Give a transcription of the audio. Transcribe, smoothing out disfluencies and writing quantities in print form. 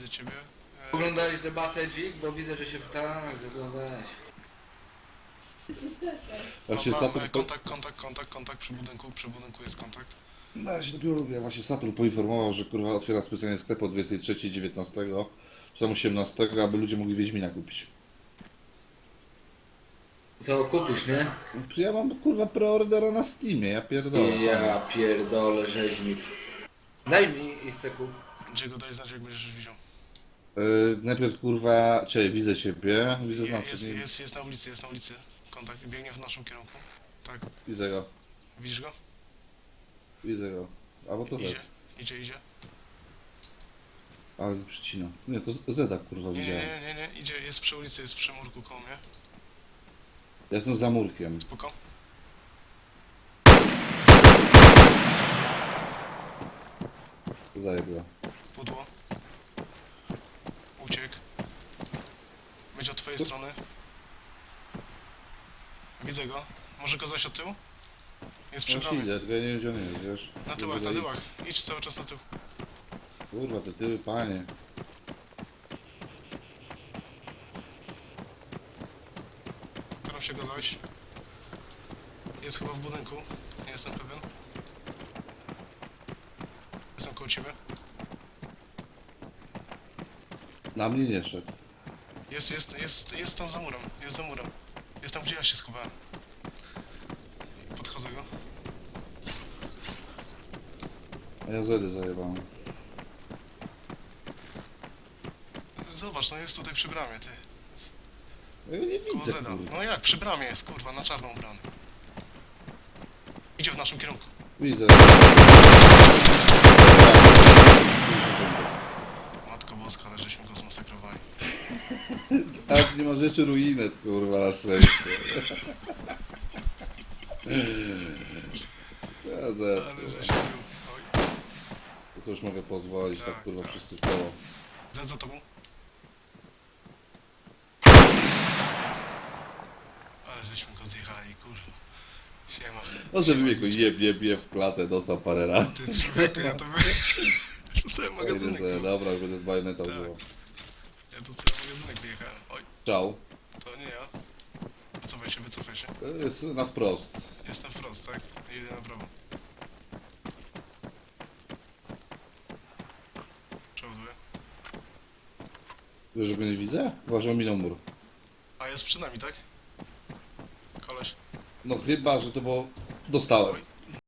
do ciebie. Oglądałeś debatę Dzik? Bo widzę, że się tak oglądałeś. Właśnie Saturn... Kontakt przy budynku jest kontakt. No ja się dopiero lubię. Właśnie Saturn poinformował, że kurwa otwiera specjalnie sklep o 23, 19, czy tam 18, aby ludzie mogli Wiedźmina kupić. Co kupisz, nie? Ja mam kurwa preordera na Steamie, ja pierdolę. Ja pierdolę rzeźnik. Daj mi i chcę kup. Gdzie go daj znać, jak będziesz już widział. Najpierw kurwa, cześć, widzę ciebie, widzę Jest na ulicy. Kontakt, biegnie w naszym kierunku. Tak, Widzę go, widzisz go? widzę go. Albo to Z. Idzie. Ale przycina. Nie, to Zeda kurwa widziałem. Nie, idzie, jest przy ulicy, jest przy murku koło mnie. Ja jestem za murkiem. Spoko. Zajebła. Pudło. Uciekł. Będzie od twojej strony. Widzę go. Może go zaś od tyłu? Jest przy No bramie. idę, tylko ja nie wiem gdzie on jest, wiesz. Na tyłach. Idź cały czas na tył. Kurwa, te tyły, panie. Staram się go zajść. Jest chyba w budynku. Nie jestem pewien. Jestem koło ciebie. Na mnie nie szedł. Jest tam za murem. Jest za murem. Jest tam, gdzie ja się schowałem. Podchodzę go. A ja Zedy zajebałem. Zobacz, no jest tutaj przy bramie, ty. Ja go nie Koło widzę, Zeda. kurwa. No jak, przy bramie jest, kurwa, na czarną bramę. Idzie w naszym kierunku. Widzę. Matko Boska, ale żeśmy go zmasakrowali. Tak, nie ma rzeczy ruinet, kurwa, na szczęście. Ja Zed, Ale kurwa. żeśmy był. Oj. To co już mogę pozwolić, tak Tak, kurwa tak. wszyscy w koło. Zed za tobą. Ale żeśmy go zjechali, kurwa. Siema. No żeby mnie jeb w klatę, dostał parę lat. Ty człowieku, ja to bym... Rzucałem Idę magazynek, sobie, kurwa. dobra, będę z bajoneta Tak. używał. Ja tu cały magazynek wyjechałem. Oj, Czał. to nie ja. Wycofaj się. To jest na wprost. Jestem wprost, tak? Jedę na prawo. Przeładuję. Wiesz, że go nie widzę? Uważam, minął mur. A jest przy nami, tak? Koleś. No chyba, że to było... Dostałem. Oj.